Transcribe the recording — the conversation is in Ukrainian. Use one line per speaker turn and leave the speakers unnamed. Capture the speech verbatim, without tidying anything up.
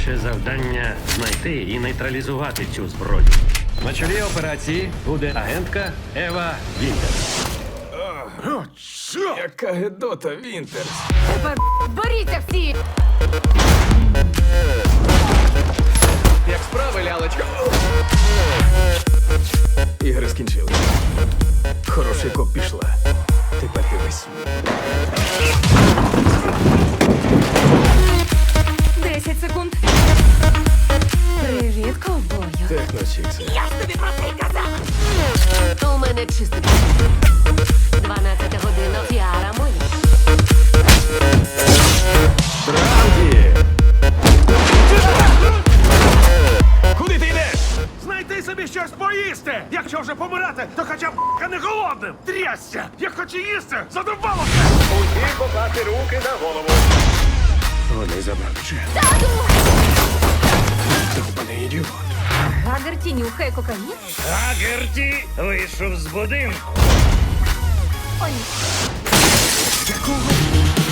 Ваше завдання знайти і нейтралізувати цю зброю. На чолі операції буде агентка Ева Вінтер.
Яка гедота, Вінтерс.
Тепер боріться всі!
Як справи, лялечка? Ігри скінчили. Хороший коп пішла. Тепер дивись.
Десять секунд. Привіт, ковбою.
Техночікси.
Я ж тобі про це й казав!
У мене чистий. Дванадцята година Фіара Молі.
Транкі! Куди ти йдеш?
Знайти собі щось поїсти! Якщо вже помирати, то хоча б ***ка не голодним! Трясся! Як хочу їсти, задовбалося!
Усі покласти руки на голову.
Вони забрали Джен.
Тату!
Довбаний ідіот.
Гагерті нюхає кокаїн?
Гагерті вийшов з будинку.
О, ні.
Якого?